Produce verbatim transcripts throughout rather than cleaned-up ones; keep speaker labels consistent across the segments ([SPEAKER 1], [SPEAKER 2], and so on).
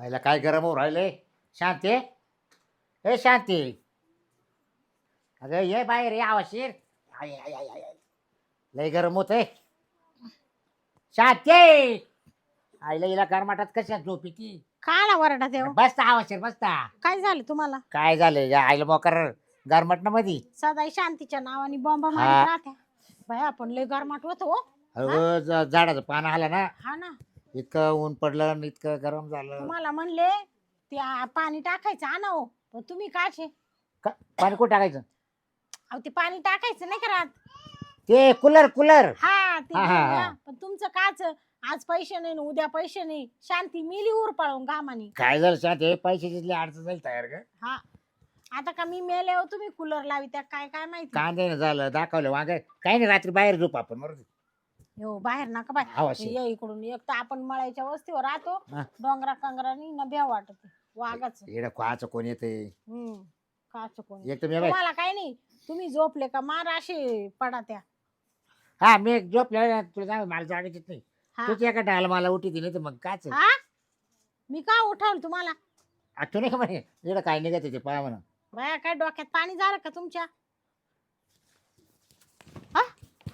[SPEAKER 1] आईला काय गरम होऊ राहिले. शांती हे शांती, अगं ये बाहेर ये आवाशीर. आय आय आय आय लय गरम होतंय. शांती आईला हिला गरमाटात कशा झोपी ती.
[SPEAKER 2] काय ना वरडा देव.
[SPEAKER 1] बसता आवाशीर बसता.
[SPEAKER 2] काय झालं तुम्हाला?
[SPEAKER 1] काय झालं या आईला मोकर गरमट ना मधी.
[SPEAKER 2] सदाई शांतीच्या नावाने बॉम्ब
[SPEAKER 1] हा.
[SPEAKER 2] मारत राहत्या. बाय आपण लय गरमाट होतो हो.
[SPEAKER 1] अगं ज- झाडाचं पान आलं ना,
[SPEAKER 2] हा ना,
[SPEAKER 1] इतकं ऊन पडलं आणि इतकं गरम झालं.
[SPEAKER 2] तुम्हाला म्हणले ते आ- पाणी टाकायचं आणा हो, पण तुम्ही काचे
[SPEAKER 1] का- पाणी कुठं टाकायचं?
[SPEAKER 2] अहो ते पाणी टाकायचं नाही का रात.
[SPEAKER 1] ते कूलर कूलर.
[SPEAKER 2] हा ते
[SPEAKER 1] हा, हा,
[SPEAKER 2] घेऊन
[SPEAKER 1] हा.
[SPEAKER 2] या. पण तुमचं काच आज पैसे नाही न उद्या पैसे नाही. शांती मिली उर पळून घामानी.
[SPEAKER 1] काय झालं शांती, पैसे जिथले अडचण झाली तयार का?
[SPEAKER 2] हा आता का मी मेले हो तुम्ही कूलर लावी त्या काय काय माहिती.
[SPEAKER 1] कांदे न झालं दाखवलं वांग. काही नाही रात्री बाहेर झोप आपण बरोबर.
[SPEAKER 2] हो बाहेर नका बाय.
[SPEAKER 1] आवाशी.
[SPEAKER 2] ये इकडून एक तर आपण मळायच्या वस्तीवर राहतो.
[SPEAKER 1] हा.
[SPEAKER 2] डोंगरा कंगरानी न भ्या वाटत वाघाच.
[SPEAKER 1] येडं कोणाचं कोण येते.
[SPEAKER 2] हम्म काच कोण
[SPEAKER 1] एक तर मी बाई-
[SPEAKER 2] तुम्हाला काय नाही. तुम्ही झोपले का मार असे पडा त्या.
[SPEAKER 1] हा मी एक झोपले तुला सांग मला जागायचीच नाही.
[SPEAKER 2] हा.
[SPEAKER 1] तुझी एका डाल मला उठी नाही तर मग काच.
[SPEAKER 2] हा मी का उठवलं तुम्हाला?
[SPEAKER 1] आठवण नाही का म्हणे इकडं काय निघत ते पाहा म्हणा.
[SPEAKER 2] बाया काय डोक्यात पाणी झालं का तुमच्या? हा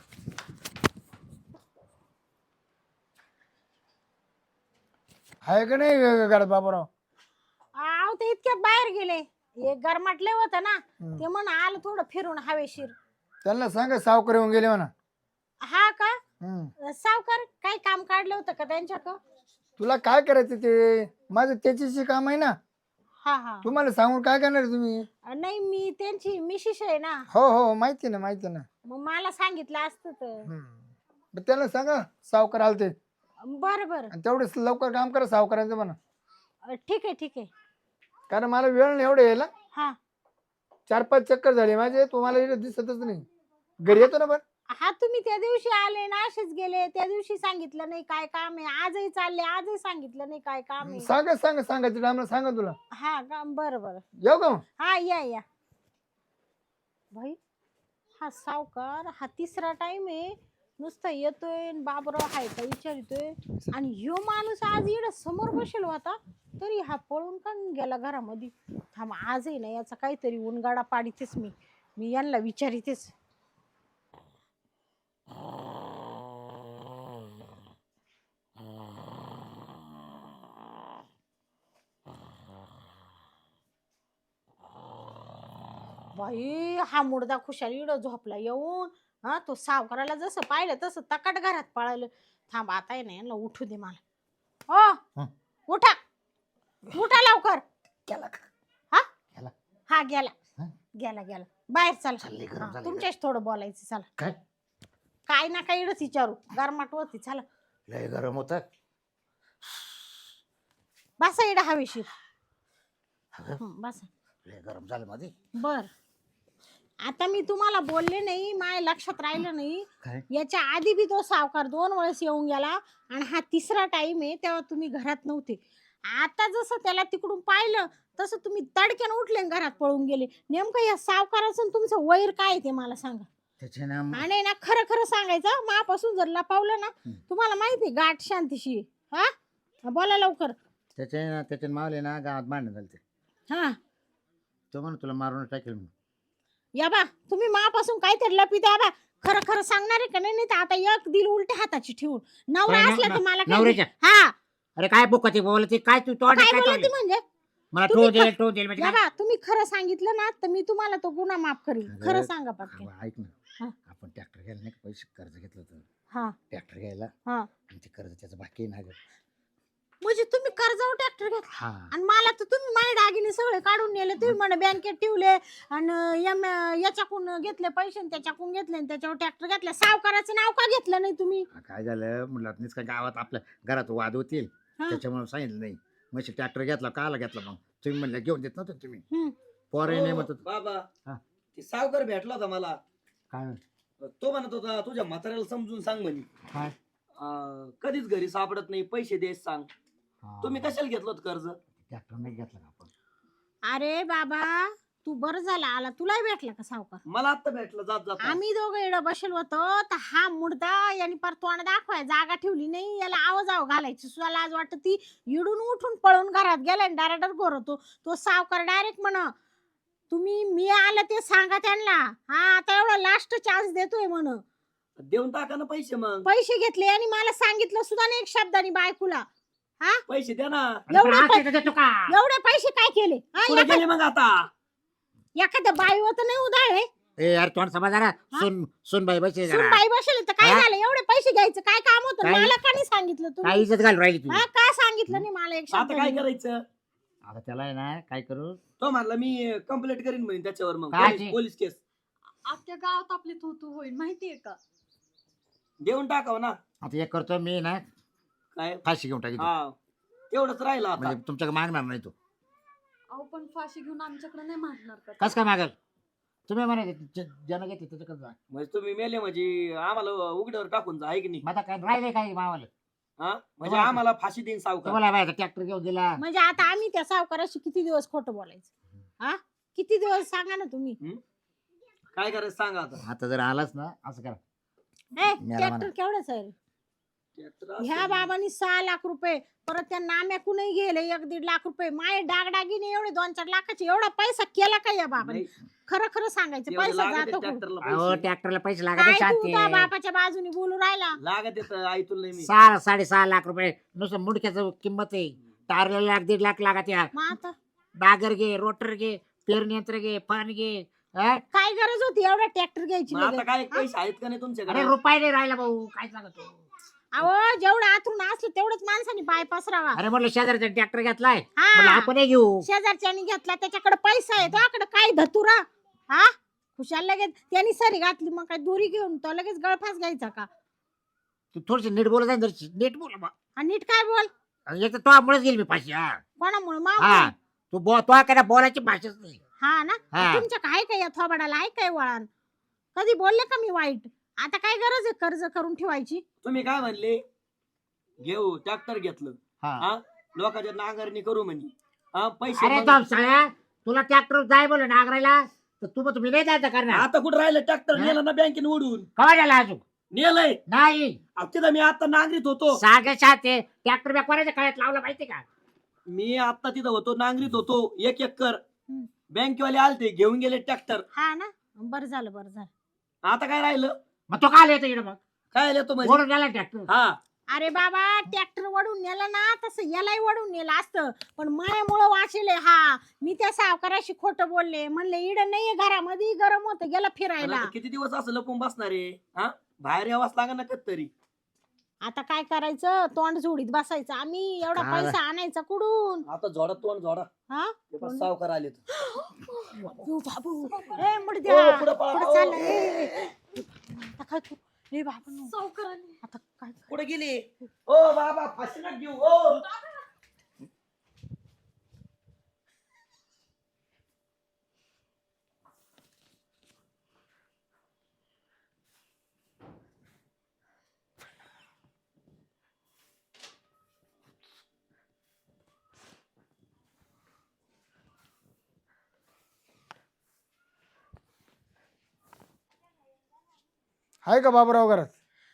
[SPEAKER 3] आहे का नाही घरात बाबूराव?
[SPEAKER 2] आव ते इतक्यात बाहेर गेले. एक गरमाटले होतं ना,
[SPEAKER 3] हम्म.
[SPEAKER 2] ते म्हण आलं थोडं फिरून हवेशीर.
[SPEAKER 3] त्यांना सांगा सावकार येऊन गेले म्हणा.
[SPEAKER 2] हा का?
[SPEAKER 3] हम्म.
[SPEAKER 2] सावकार काही काम काढलं होतं का त्यांच्याकडं?
[SPEAKER 3] तुला काय करायचं ते माझं त्याच्याशी काम आहे ना.
[SPEAKER 2] हा हा
[SPEAKER 3] तुम्हाला सांगून काय करणार आहे तुम्ही?
[SPEAKER 2] नाही मी त्यांची मिशिश आहे ना,
[SPEAKER 3] हो हो माहिती ना माहिती ना.
[SPEAKER 2] मग मला सांगितलं असतं तर.
[SPEAKER 3] हम्म. मग त्यांना सांगा सावकार आलते
[SPEAKER 2] बरं बरं
[SPEAKER 3] आणि तेवढेच लवकर काम करा सावकारांचं म्हणा.
[SPEAKER 2] अ, ठीक आहे ठीक आहे.
[SPEAKER 3] कारण मला वेळ नाही एवढं यायला.
[SPEAKER 2] हा
[SPEAKER 3] चार पाच चक्कर झाले माझे, तुम्हाला इकडे दिसतच नाही. घरी येतो ना पण.
[SPEAKER 2] हा तुम्ही त्या दिवशी आले ना असेच गेले. त्या दिवशी सांगितलं नाही काय काम आहे. आजही चालले आजही सांगितलं नाही काय काम आहे.
[SPEAKER 3] सांगा सांगा सांगायचं टायमाला सांगा तुला.
[SPEAKER 2] हा का बरं बरं.
[SPEAKER 3] येऊ का मग?
[SPEAKER 2] हा या या भाई. हा सावकार हा तिसरा टाइम आहे. नुसतं येतोय न बाबराव हाय का विचारितोय. आणि ह्यो माणूस आज इकडं समोर बसेल होता तरी हा पळून का गेला घरामध्ये. थांब आजही ना याचा काहीतरी उनगाडा पाडीतेच मी मी यांना विचारितेच. बाई हा मुडदा खुशाल इडं झोपला येऊन. हा तो सावकाराला जसं पाहिलं तसं तकाट घरात पळालं. थांब आता आहे ना यांना उठू दे मला. हो
[SPEAKER 1] हं.
[SPEAKER 2] उठा उठा लवकर.
[SPEAKER 1] गेला का?
[SPEAKER 2] हा
[SPEAKER 1] गेला.
[SPEAKER 2] हा गेला
[SPEAKER 1] हं?
[SPEAKER 2] गेला गेला बाहेर चला.
[SPEAKER 1] चालली गरम
[SPEAKER 2] हा,
[SPEAKER 1] झाली
[SPEAKER 2] तुमच्याशी थोडं बोलायचं चला.
[SPEAKER 1] काय
[SPEAKER 2] काय ना काय इडच विचारू गरमाट होती चला.
[SPEAKER 1] लय गरम होत.
[SPEAKER 2] बसा इडा हवेशीर. हं, बसा.
[SPEAKER 1] लय गरम झालं मध्ये.
[SPEAKER 2] बर आता मी तुम्हाला बोलले नाही माझ्या लक्षात राहिलं नाही.
[SPEAKER 1] काय
[SPEAKER 2] याच्या आधी बी तो सावकार दोन वेळेस येऊन गेला आणि हा तिसरा टाइम आहे तेव्हा तुम्ही घरात नव्हते. आता जसं त्याला तिकडून पाहिलं तसं तुम्ही तडक्यानं उठले आणि घरात पळून गेले. नेमकं या सावकाराचं आणि तुमचं वैर काय आहे ते मला सांगा.
[SPEAKER 1] त्याचे ना म-
[SPEAKER 2] आणि ना खरं खरं सांगायचं मापासून जर लपावलं ना
[SPEAKER 1] हं.
[SPEAKER 2] तुम्हाला माहिती आहे गाठ शांतीशी. हा बोला लवकर.
[SPEAKER 1] त्याचे ना त्याचे मावले ना गावात भांडण झालं ते.
[SPEAKER 2] हा
[SPEAKER 1] तो म्हणून तुला मारून टाकेल म्हणून.
[SPEAKER 2] या बा तुम्ही मापासून काहीतरी लपी द्या बा. खरं खरं सांगणार आहे का नाही? नाही तर आता एक दिल उलट्या हाताची ठेवून नवरा
[SPEAKER 1] काय
[SPEAKER 2] असला
[SPEAKER 1] न-
[SPEAKER 2] तर मला काही
[SPEAKER 1] नवऱ्याच्या?
[SPEAKER 2] नाही. हा
[SPEAKER 1] अरे काय बोकती बोलती काय तू तोंड
[SPEAKER 2] काय
[SPEAKER 1] काय
[SPEAKER 2] बोलते
[SPEAKER 1] तोंड
[SPEAKER 2] म्हणजे?
[SPEAKER 1] मला
[SPEAKER 2] तुम्ही
[SPEAKER 1] ठो दे
[SPEAKER 2] ख-
[SPEAKER 1] ठो दे म्हणजे
[SPEAKER 2] या
[SPEAKER 1] काय?
[SPEAKER 2] बा तुम्ही खरं सांगितलं ना तर मी तुम्हाला तो गुन्हा माफ करील.
[SPEAKER 1] अगं,
[SPEAKER 2] खरं सांगा पटकन.
[SPEAKER 1] अगं, ऐक ना.
[SPEAKER 2] हा.
[SPEAKER 1] आपण ट्रॅक्टर घ्यायला नाही का पैसे कर्ज घेतलं होतं.
[SPEAKER 2] हा
[SPEAKER 1] ट्रॅक्टर घ्यायला
[SPEAKER 2] हा
[SPEAKER 1] आणि ते कर्ज त्याचं बाकी आहे ना गं.
[SPEAKER 2] म्हणजे तुम्ही कर्जावर ट्रॅक्टर घेतला
[SPEAKER 1] हा
[SPEAKER 2] आणि मला तर तुम्ही माझे दागिने सगळे काढून नेले. तुम्ही म्हणे बँकेत ठेवले आणि यम- याच्याकून घेतले पैसे आणि त्याच्याकून घेतले आणि त्याच्यावर ट्रॅक्टर घेतला. सावकाराचं नाव का घेतलं नाही तुम्ही?
[SPEAKER 1] काय झालं म्हणलं आता नुसतं गावात आपल्या घरात वाद होतील
[SPEAKER 2] हा.
[SPEAKER 1] त्याच्यामुळे सांगितलं नाही. मग ट्रॅक्टर घेतला काला घेतला मग तुम्ही म्हणलं घेऊन देत नव्हतं तुम्ही.
[SPEAKER 2] हम्म.
[SPEAKER 1] पोरही नाही
[SPEAKER 4] हो,
[SPEAKER 1] म्हणत होतं.
[SPEAKER 4] बाबा
[SPEAKER 1] हा.
[SPEAKER 4] ते सावकार भेटला होता मला.
[SPEAKER 1] काय
[SPEAKER 4] तो म्हणत होता तुझ्या म्हाताऱ्याला समजून सांग म्हणे.
[SPEAKER 1] काय
[SPEAKER 4] अं, कधीच घरी सापडत नाही पैसे देस सांग. तुम्ही कशाला घेतलं होतं कर्ज?
[SPEAKER 1] ट्रॅक्टर नाही घेतला का आपण?
[SPEAKER 2] अरे बाबा तू बरं झाला आला, तुलाही भेटला का सावकार?
[SPEAKER 4] मला आता भेटलं जात जात
[SPEAKER 2] आम्ही दोघं इकडं बसेल होतो तर हा मुर्दा यांनी पर तोंड दाखवाय जागा ठेवली नाही, याला आवाज आव घालायची सुद्धा लाज वाटत. ती इडून उठून पळून घरात गेला डायरेक्टर घोरतो तो सावकार. डायरेक्ट म्हण तुम्ही मी आलं ते सांगा त्यांना, हा आता एवढा लास्ट चान्स देतोय म्हण.
[SPEAKER 4] देऊन टाका ना पैसे, मग
[SPEAKER 2] पैसे घेतले आणि मला सांगितलं सुद्धा नाही एक शब्दाने बायकोला. हा
[SPEAKER 4] पैसे द्या ना.
[SPEAKER 1] आणि
[SPEAKER 2] एवढे
[SPEAKER 1] पण
[SPEAKER 2] पै-
[SPEAKER 1] आज देतो का?
[SPEAKER 2] एवढे पैसे काय केले? हा,
[SPEAKER 4] कुठे
[SPEAKER 2] एका-
[SPEAKER 4] गेले मग आता?
[SPEAKER 2] एखाद्या बाईवर तर नाही उधाळे.
[SPEAKER 1] ए यार तोंड समज जरा.
[SPEAKER 2] हा?
[SPEAKER 1] सुन सुन बाई बस
[SPEAKER 2] सून
[SPEAKER 1] जरा.
[SPEAKER 2] बाई बसेल तर काय
[SPEAKER 1] हा?
[SPEAKER 2] झालं? एवढे पैसे घ्यायचं काय काम होतं?
[SPEAKER 1] काय?
[SPEAKER 2] मला का नाही सांगितलं
[SPEAKER 1] काय
[SPEAKER 2] तुम्ही?
[SPEAKER 1] इज्जत घालून राहिली तू?
[SPEAKER 2] हा का सांगितलं नाही मला एक
[SPEAKER 4] आता
[SPEAKER 2] शब्द?
[SPEAKER 4] काय करायचं?
[SPEAKER 1] आता त्याला आहे ना काय करू?
[SPEAKER 4] तो म्हणला मी कंप्लेंट करीन म्हणे त्याच्यावर, मग
[SPEAKER 1] काय
[SPEAKER 4] पोलीस-
[SPEAKER 1] ते?
[SPEAKER 4] पोलीस केस
[SPEAKER 5] अख्ख्या गावात आपली तू तू होईल माहितीये का?
[SPEAKER 4] देऊन टाकाव ना.
[SPEAKER 1] आता एक करतो मी ना
[SPEAKER 4] काय
[SPEAKER 1] फाशी घेऊन टाकी
[SPEAKER 4] हा तेवढंच राहिलं आता.
[SPEAKER 1] म्हणजे तुमच्याकडे मागणार नाही तो.
[SPEAKER 5] अहो पण फाशी घेऊन आमच्याकडे नाही मारणार का?
[SPEAKER 1] कस काय मागल? तुम्ही म्हणायचे जन घेते त्याच्याकडे जा.
[SPEAKER 4] म्हणजे तुम्ही मेले म्हणजे आम्हाला उघड्यावर टाकून जा, आहे की नाही?
[SPEAKER 1] मग आता काय राहिले काय मावाला?
[SPEAKER 4] हा म्हणजे
[SPEAKER 1] तुम्हाला-
[SPEAKER 4] आम्हाला फाशी देईन सावकार.
[SPEAKER 1] तुम्हाला माहिती ट्रॅक्टर घेऊन दिला.
[SPEAKER 2] म्हणजे आता आम्ही त्या सावकाराशी किती दिवस खोटं बोलायचं? हा किती दिवस सांगा ना तुम्ही.
[SPEAKER 4] काय करायचं सांगा आता.
[SPEAKER 1] आता जर आलाच ना असं करा.
[SPEAKER 2] ए,
[SPEAKER 1] मला
[SPEAKER 2] ट्रॅक्टर
[SPEAKER 1] म्हणा.
[SPEAKER 2] केवढंच आहे रे?
[SPEAKER 4] ट्रॅक्टर असं-
[SPEAKER 2] ह्या बाबांनी सहा लाख रुपये परत त्या नाम्याकूनही गेले एक दीड लाख रुपये. माय डागडागिने एवढे दोन चार लाखाचे एवढा पैसा केला का या बाबांनी?
[SPEAKER 4] नाही,
[SPEAKER 2] खरं खरं सांगायचं
[SPEAKER 4] एवढे
[SPEAKER 2] पैसा
[SPEAKER 4] लागत
[SPEAKER 2] जातो
[SPEAKER 4] आहे
[SPEAKER 2] कुठं?
[SPEAKER 4] ट्रॅक्टरला
[SPEAKER 1] अहो
[SPEAKER 4] पैसे.
[SPEAKER 1] ट्रॅक्टरला पैसे लागत
[SPEAKER 2] काय
[SPEAKER 1] आहे,
[SPEAKER 2] तू
[SPEAKER 1] शांती.
[SPEAKER 2] त्या बापाच्या बाजूने बोलू राहिला?
[SPEAKER 4] लागत येत ऐकून नाही मी.
[SPEAKER 1] सहा साडेसहा लाख रुपये नुसतं मुडक्याचं किंमत आहे. टारला लाख दीड लाख लागत या.
[SPEAKER 2] मग आता
[SPEAKER 1] डागर घे, रोटर घे, पेरणी यंत्र घे, फन घे. हा?
[SPEAKER 2] काय गरज होती एवढा ट्रॅक्टर घ्यायची
[SPEAKER 4] मग आता
[SPEAKER 2] लगेच?
[SPEAKER 4] काय पैसे आहेत का नाही तुमच्याकडे?
[SPEAKER 1] अरे रुपये नाही राहिला भाऊ काय सांगतो.
[SPEAKER 2] अहो जेवढं आतून असलं तेवढंच माणसाने पाय पसरावा.
[SPEAKER 1] अरे म्हटलं शेजारचा ट्रॅक्टर घेतलाय
[SPEAKER 2] हा.
[SPEAKER 1] म्हणलं आपण घेऊ.
[SPEAKER 2] शेजारच्यानी घेतला त्याच्याकडे पैसा आहे त्याकडे काय धतुरा? हा खुशाल लगेच त्यांनी सरी घातली मग काय दोरी घेऊन तो लगेच गळफास घ्यायचा का?
[SPEAKER 1] तू थोडीशी नीट बोलत आहे जरा नीट बोल बा.
[SPEAKER 2] आणि नीट काय बोल.
[SPEAKER 1] आणि एक तर तो मुळेच गेली मी फाशी. हा
[SPEAKER 2] कोणामुळे
[SPEAKER 1] हा
[SPEAKER 2] मा
[SPEAKER 1] तू बो तो काय बोलायची भाषाच नाही.
[SPEAKER 2] हा ना
[SPEAKER 1] हा.
[SPEAKER 2] तुमच्या काय काय या थोबाडाला आहे काय वळण? कधी बोलले का मी वाईट? आता काय गरज आहे कर्ज करून ठेवायची?
[SPEAKER 4] तुम्ही काय म्हणले? घेऊ ट्रॅक्टर घेतलं,
[SPEAKER 1] हा.
[SPEAKER 4] हा लोकांच्या नांगरणी करू म्हणे. हा पैसे
[SPEAKER 1] अरे
[SPEAKER 4] मग-
[SPEAKER 1] तो साळ्या तुला ट्रॅक्टर जाय बोल नागरायला तर तू मग तुम्ही नाही जायचं करणार.
[SPEAKER 4] आता कुठं राहिलं ट्रॅक्टर?
[SPEAKER 1] हा?
[SPEAKER 4] नेलं ना बँकेने उडून.
[SPEAKER 1] कवा झाला अजून?
[SPEAKER 4] नेलंय.
[SPEAKER 1] नाही
[SPEAKER 4] अहो, तिथं मी आता नांगरीत होतो.
[SPEAKER 1] सागे शाते ट्रॅक्टर बॅक कोणाच्या काळात लावला माहिती का?
[SPEAKER 4] मी आता तिथं होतो नांगरीत होतो एक एकर.
[SPEAKER 2] हम्म.
[SPEAKER 4] बँकेवाले आलते घेऊन गेले ट्रॅक्टर.
[SPEAKER 2] हा ना बरं झालं बरं झालं.
[SPEAKER 4] आता काय राहिलं?
[SPEAKER 1] मग तो काल येतो इकडे मग
[SPEAKER 4] काय येतो म्हणजे?
[SPEAKER 1] ओढून गेला ट्रॅक्टर.
[SPEAKER 4] हा
[SPEAKER 2] अरे बाबा ट्रॅक्टर वडून नेला ना तसं यालाही वडून नेलं असतं पण मायामुळं वाचले. हा मी त्या सावकाराशी खोटं बोलले म्हणले इड नाहीये घरामध्ये गरम होतं गेला
[SPEAKER 4] पण
[SPEAKER 2] फिरायला.
[SPEAKER 4] आता किती दिवस असं लपून बसणार आहे? हा बाहेर यावाच लागा ना तरी.
[SPEAKER 2] आता काय करायचं तोंड जोडीत बसायचं. आम्ही एवढा
[SPEAKER 1] काय?
[SPEAKER 2] पैसा आणायचा कुठून?
[SPEAKER 4] आता जोडा तोंड जोडा.
[SPEAKER 2] हा
[SPEAKER 4] ते बघ, सावकार आले.
[SPEAKER 2] ओ बाबू ए मुडद्या
[SPEAKER 4] ओ, पुढं पळा,
[SPEAKER 2] पुढं
[SPEAKER 4] ओ.
[SPEAKER 2] चाल. ए, ए, ए. आता काय तू ए बाबू
[SPEAKER 5] सावकाराने
[SPEAKER 2] आता काय
[SPEAKER 4] कुठे गेली? ओ बाबा फाशी नका घेऊ. ओ
[SPEAKER 3] आहे का बाबूराव घरात?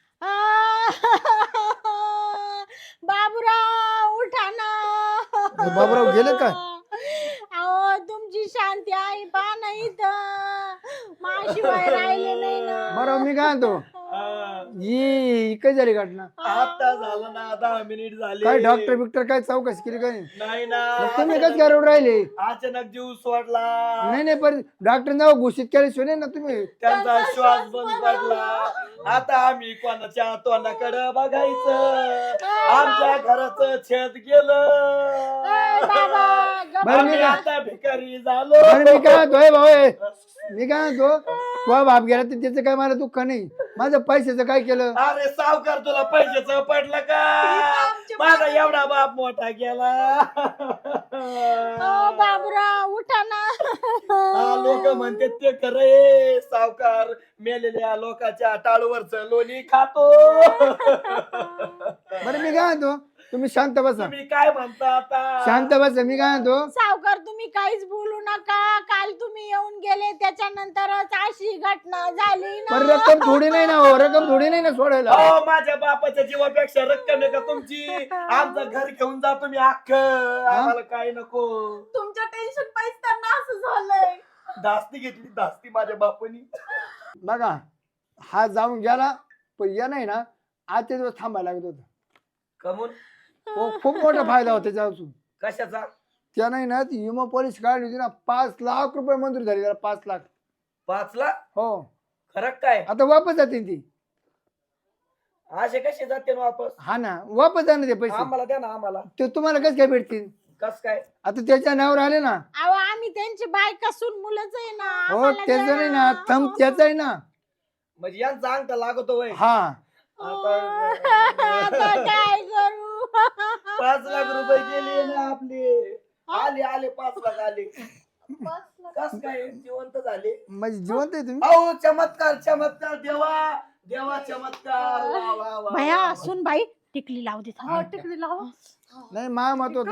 [SPEAKER 2] बाबूराव उठा ना.
[SPEAKER 3] अरे बाबूराव गेले काय?
[SPEAKER 2] अहो तुमची शांती आई पा नाही तर माशिवाय राहिले नाही ना.
[SPEAKER 3] बरं मी काय म्हणतो ही काय झाली घटना?
[SPEAKER 4] आता झालं ना दहा मिनिट झाले.
[SPEAKER 3] काय डॉक्टर बिक्टर काय चौकशी केली काय?
[SPEAKER 4] नाही ना.
[SPEAKER 3] मग तुम्ही कस काय रडून राहिले?
[SPEAKER 4] अचानक जीव सोडला.
[SPEAKER 3] नाही नाही पण डॉक्टर नाव घोषित केल्याशिवाय ना तुम्ही.
[SPEAKER 4] त्यांचा श्वास बंद पडला. आता आम्ही कोणाच्या तोंडाकडे बघायचं? आमच्या घराचं छत गेलं.
[SPEAKER 2] ए, बाबा गप्प
[SPEAKER 3] बरं मी
[SPEAKER 4] आम्ही
[SPEAKER 3] काय
[SPEAKER 4] आता भिकारी झालो.
[SPEAKER 3] बरं मी काय म्हणतोय भाऊ हे, मी काय म्हणतो तुझा बाप गेला तर त्याचं काय मला दुःख नाही. माझं पैशाचं काय केलं?
[SPEAKER 4] अरे सावकार तुला पैशाचं पडलं का? माझा एवढा बाप मोठा गेला.
[SPEAKER 2] ओ बाबूराव उठा ना.
[SPEAKER 4] लोक म्हणते ते खरंय. सावकार मेलेल्या लोकांच्या टाळूवरच लोणी खातो.
[SPEAKER 3] बरं मी काय म्हणतो तुम्ही शांत बसा.
[SPEAKER 4] तुम्ही काय म्हणता आता?
[SPEAKER 3] शांत बसा. मी काय म्हणतो
[SPEAKER 2] सावकार तुम्ही काहीच बोलू नका. का काल तुम्ही येऊन गेले त्याच्यानंतरच अशी घटना झाली
[SPEAKER 3] पण
[SPEAKER 2] ना.
[SPEAKER 3] रक्कम थोडी नाही ना हो, रक्कम थोडी नाही ना सोडायला.
[SPEAKER 4] अहो माझ्या बापाच्या जीवापेक्षा रक्कम आहे का तुमची? आमचं घर घेऊन जा तुम्ही अख्ख, आम्हाला काय नको.
[SPEAKER 5] तुमच्या टेन्शन पाहिजे त्यांना असं झालंय.
[SPEAKER 4] धास्ती घेतली धास्ती माझ्या बापानी.
[SPEAKER 3] बघा हा जाऊन गेला, पण या नाही ना आजचे दिवस थांबायला लागत होतं.
[SPEAKER 4] कमून
[SPEAKER 3] हो, खूप मोठा फायदा होता त्याच्यापासून.
[SPEAKER 4] कशाचा?
[SPEAKER 3] त्या नाही ना ती विमा पॉलिसी काढली होती ना, पाच लाख रुपये मंजूर झाली त्याला, पाच लाख.
[SPEAKER 4] पाच लाख?
[SPEAKER 3] हो
[SPEAKER 4] खरं काय?
[SPEAKER 3] आता वापस जाते ती.
[SPEAKER 4] असे कसे जाते ना वापस?
[SPEAKER 3] हा ना वापस जाणार ते पैसे.
[SPEAKER 4] आम्हाला द्या ना आम्हाला.
[SPEAKER 3] ते तुम्हाला कसं काय भेटतील?
[SPEAKER 4] कस काय?
[SPEAKER 3] आता त्याच्या नावावर आले ना.
[SPEAKER 2] अहो आम्ही त्यांची बायका सून मुलंच आहे ना.
[SPEAKER 3] हो
[SPEAKER 2] आम्हाला
[SPEAKER 3] त्याचं
[SPEAKER 2] द्या.
[SPEAKER 3] नाही ना, थंब त्याचा आहे ना.
[SPEAKER 4] म्हणजे यांचा अंगठा लागतो वय.
[SPEAKER 3] हा
[SPEAKER 2] आता काय करू?
[SPEAKER 4] पाच लाख रुपये गेले ना आपले. आले आले पाच लाख आले.
[SPEAKER 5] पाच लाख.
[SPEAKER 4] कस काय जिवंत झाले?
[SPEAKER 3] म्हणजे जिवंत आहे तुम्ही.
[SPEAKER 4] अहो चमत्कार चमत्कार देवा देवा चमत्कार. वा, वा, वा,
[SPEAKER 2] भया
[SPEAKER 4] वा.
[SPEAKER 2] सुन बाई टिकली लावू दे.
[SPEAKER 5] हो टिकली लावा.
[SPEAKER 3] नाही मा मत होत.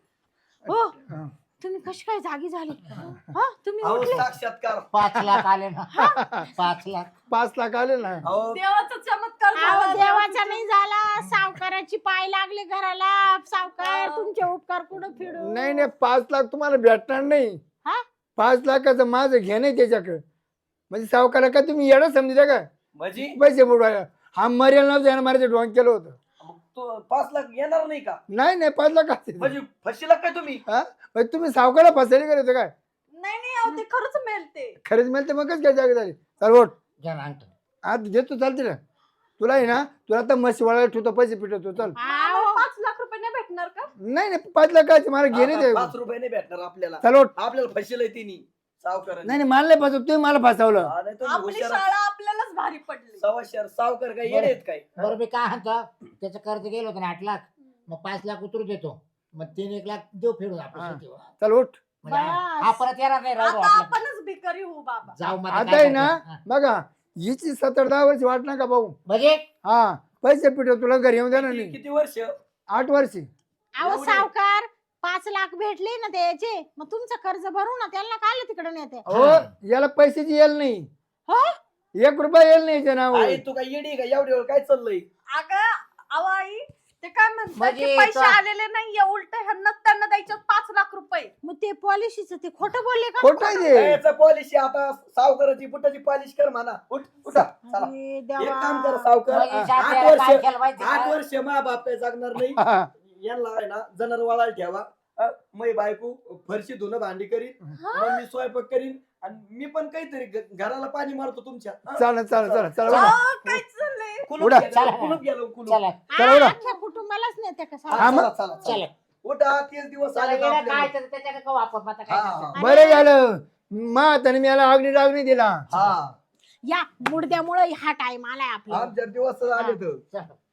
[SPEAKER 2] हो तुम्ही कशी काय जागी झाली? हा तुम्ही
[SPEAKER 4] अहो
[SPEAKER 2] उठले?
[SPEAKER 4] साक्षात्कार.
[SPEAKER 1] पाच लाख आले ना पाच लाख.
[SPEAKER 3] पाच लाख आले ना.
[SPEAKER 4] अहो
[SPEAKER 5] देवाचा चमत्कार
[SPEAKER 2] अहो,
[SPEAKER 5] झाला.
[SPEAKER 2] देवाचा नाही झाला, सावकाराची पाय लागले घराला. सावकार तुमचे उपकार कुठं फिरू?
[SPEAKER 3] नाही नाही पाच लाख तुम्हाला भेटणार नाही.
[SPEAKER 2] हा?
[SPEAKER 3] पाच लाखाचं माझं घेणं त्याच्याकडे. म्हणजे सावकारा का तुम्ही येडं समजता का?
[SPEAKER 4] म्हणजे
[SPEAKER 3] पैसे बुडवायला हा मरेल नव्हतं यानं मारायचं ढोंग केलं होतं.
[SPEAKER 4] मग तो पाच लाख येणार नाही का?
[SPEAKER 3] नाही नाही पाच लाख असते.
[SPEAKER 4] म्हणजे फशीला काय तुम्ही?
[SPEAKER 3] हा? म्हणजे तुम्ही सावकारा फसायला गेले होते काय?
[SPEAKER 5] नाही नाही अहो ते खरंच मिळते.
[SPEAKER 3] खरेच मिळते मग कसं काय जागा झाली. चल ओट
[SPEAKER 1] घ्या ना अंगठा.
[SPEAKER 3] आज देतो चालते ना तुला आहे ना. तुला आता म्हशी वळायला ठेवतो, पैसे पिटवतो. चल.
[SPEAKER 2] अहो,
[SPEAKER 5] पाच लाख रुपये नाही भेटणार का?
[SPEAKER 3] नाही नाही पाच लाखाचे मला घेणे
[SPEAKER 4] आता
[SPEAKER 3] ते.
[SPEAKER 4] पाच रुपये नाही भेटणार आपल्याला.
[SPEAKER 3] चल ओट.
[SPEAKER 4] आपल्याला फशीला तिने सावकार.
[SPEAKER 3] नाही नाही मला नाही फसव, तुम्ही मला फसवलं.
[SPEAKER 5] आपली शाळा आपल्यालाच भारी पडली.
[SPEAKER 4] सवाशेर सावकार काय येडे आहेत काय?
[SPEAKER 1] बरं मी काय म्हणतो, त्याचं कर्ज गेलं होतं ना आठ लाख, मग पाच लाख उतरू देतो, मग तीन एक लाख देऊ फेडून
[SPEAKER 3] हा.
[SPEAKER 1] आपण शेतीवर.
[SPEAKER 3] चल उठ.
[SPEAKER 1] म्हणजे
[SPEAKER 2] बस.
[SPEAKER 1] हा परत येणार नाही राहू
[SPEAKER 5] आता
[SPEAKER 1] आपलं.
[SPEAKER 5] आपणच भिकारी होऊ बाबा.
[SPEAKER 1] जाऊ मग
[SPEAKER 3] आता
[SPEAKER 1] काय
[SPEAKER 3] आहे ना
[SPEAKER 1] करतो? हा.
[SPEAKER 3] बघा हिची सत्तर दहा वर्ष वाट नका भाऊ.
[SPEAKER 1] म्हणजे
[SPEAKER 3] हा पैसे पिटव तुला घरी येऊन देणार
[SPEAKER 4] किती
[SPEAKER 3] नाही.
[SPEAKER 4] किती वर्ष?
[SPEAKER 3] आठ वर्षी.
[SPEAKER 2] अहो
[SPEAKER 4] एवढे?
[SPEAKER 2] सावकार पाच लाख भेटले ना त्याचे, मग तुमचं कर्ज भरू ना. त्यांना काय तिकडे नेते?
[SPEAKER 3] हो याला पैशाची येल नाही.
[SPEAKER 2] हो?
[SPEAKER 3] एक रुपया येल नाही याच्या नावावर.
[SPEAKER 4] आई तू काय येडी का? एवढी वेळ काय चाललंय?
[SPEAKER 5] अगं अहो आई ते काय म्हणतात
[SPEAKER 1] म्हणजे
[SPEAKER 5] की पैसे
[SPEAKER 1] तो-
[SPEAKER 5] आलेले नाहीये, उलट ह्यांना त्यांना द्यायचे पाच लाख रुपये.
[SPEAKER 2] मग ते पॉलिसीचं ते खोटं बोलले का?
[SPEAKER 3] खोटं आहे ते.
[SPEAKER 4] याचं पॉलिसी आता सावकाराची बुटाची पॉलिश कर म्हणा. उठ उठा चला.
[SPEAKER 2] अरे
[SPEAKER 4] एक
[SPEAKER 2] देवा.
[SPEAKER 4] काम कर सावकार.
[SPEAKER 1] म्हणजे
[SPEAKER 4] आठ
[SPEAKER 1] शाळेला काय
[SPEAKER 4] वर्ष
[SPEAKER 1] केलं माहिती
[SPEAKER 4] आठ
[SPEAKER 1] का?
[SPEAKER 4] वर्ष मा बाप काय जगणार नाही.
[SPEAKER 3] हा.
[SPEAKER 4] यांना आहे ना जनावर वाळायला ठेवा. अ, मै बायको फरशी धुणं भांडी करीन, मग मी स्वयंपाक करीन आणि मी पण काहीतरी घ- घराला पाणी मारतो तुमच्या. हा?
[SPEAKER 3] चालेल चालेल चालेल चला
[SPEAKER 4] चला.
[SPEAKER 3] उठा.
[SPEAKER 5] अहो, काय चाललंय?
[SPEAKER 4] कुलूप
[SPEAKER 3] उडा.
[SPEAKER 4] गेलं,
[SPEAKER 1] चला.
[SPEAKER 4] कुलूप गेलं, कुलूप.
[SPEAKER 1] चला
[SPEAKER 3] चला
[SPEAKER 2] हा,
[SPEAKER 3] उडा.
[SPEAKER 2] अख्ख्या कुटुंबालाच नेते का
[SPEAKER 4] हा,
[SPEAKER 2] सावकार?
[SPEAKER 3] हा, मग.
[SPEAKER 4] चला, चला, चला.
[SPEAKER 1] चला
[SPEAKER 4] उठा तीस दिवस
[SPEAKER 1] चला
[SPEAKER 4] आले का
[SPEAKER 1] गेलं
[SPEAKER 4] आपल्याला?
[SPEAKER 1] काय तर त्याच्याकडे का वापर आता काय
[SPEAKER 4] हा,
[SPEAKER 1] करतो?
[SPEAKER 4] हा.
[SPEAKER 3] बरं झालं मा त्याने मी याला अग्नी डागणी दिला.
[SPEAKER 4] हा
[SPEAKER 2] या मुडद्यामुळे हा टाइम आलाय आपला.
[SPEAKER 4] आमच्या दिवस आले तर
[SPEAKER 1] चला.